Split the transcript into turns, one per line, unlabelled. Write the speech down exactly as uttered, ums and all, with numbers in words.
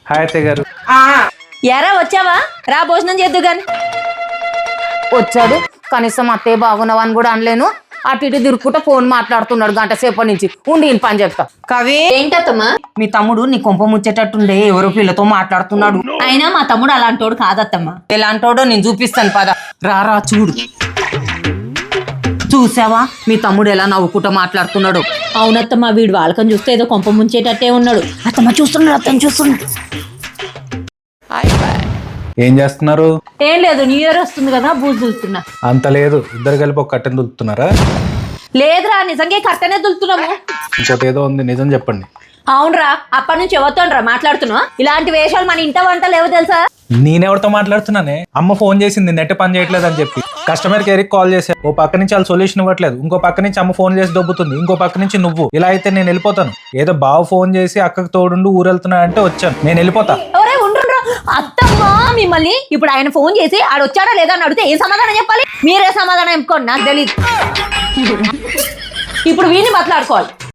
Hi అత్తయ్య గారు.
ఎరా వచ్చావా? రా భోజనం చేద్దు గాని.
వచ్చాడు, కనీసం అత్తయ్య బాగున్నావా అని కూడా అనలేను. అటు ఇటు తిరుక్కుంటా ఫోన్ మాట్లాడుతున్నాడు గంట సేపటి నుంచి. ఉండి ఈయన పని చెప్తా.
కవి ఏంటమ్మా?
మీ తమ్ముడు నీ కొంప ముచ్చేటట్టుండే ఎవరో పిల్లతో మాట్లాడుతున్నాడు.
అయినా మా తమ్ముడు అలాంటోడు కాదత్తమ్మా.
ఎలాంటోడో నేను చూపిస్తాను పద. రారా చూడు. చూసావా మీ తమ్ముడు ఎలా నవ్వుకుంటా మాట్లాడుతున్నాడు?
అవునత్తమ్మా, వీడు వాళ్ళకని చూస్తే ఏదో కొంప ముంచేటట్టే ఉన్నాడు. అత్తమ్మ చూస్తున్నాడు, అత్తమ్మ చూస్తున్నాడు.
ఏం చేస్తున్నారు?
ఏం లేదు, న్యూ ఇయర్ వస్తుంది కదా, బూజు దులుతున్నా.
అంత లేదు, ఇద్దరు కలిపి ఒక కట్టెను దులుపుతున్నారా?
లేదురా, నిజంగా కట్టనే దులుతున్నాము.
ఇంకోటి ఏదో ఉంది, నిజం చెప్పండి.
అవునరా, అప్పటి నుంచి ఎవరితోనరా మాట్లాడుతున్నా? ఇలాంటి వేషాలు మన ఇంట వంట లేవు తెలుసా?
నేనెవరితో మాట్లాడుతున్నానే? అమ్మ ఫోన్ చేసింది నెట్ పని చేయట్లేదు అని చెప్పి. కస్టమర్ కేర్కి కాల్ చేశారు. ఓ పక్క నుంచి వాళ్ళు సొల్యూషన్ ఇవ్వట్లేదు, ఇంకో పక్క నుంచి అమ్మ ఫోన్ చేసి దొబ్బుతుంది, ఇంకో పక్క నుంచి నువ్వు. ఇలా అయితే నేను వెళ్ళిపోతాను. ఏదో బావ ఫోన్ చేసి అక్కకు తోడుండు ఊరు వెళ్తున్నా అంటే వచ్చాను, నేను వెళ్ళిపోతా.
ఎవరే ఉండ్రా అత్తమ్మా, మిమ్మల్ని ఇప్పుడు ఆయన ఫోన్ చేసి ఆడ వచ్చాడా లేదా అని అడిగితే ఏం సమాధానం చెప్పాలి? మీరే సమాధానం చెప్పుకోండి, నాకు తెలియదు. ఇప్పుడు వీడిని మాట్లాడుకోవాలి.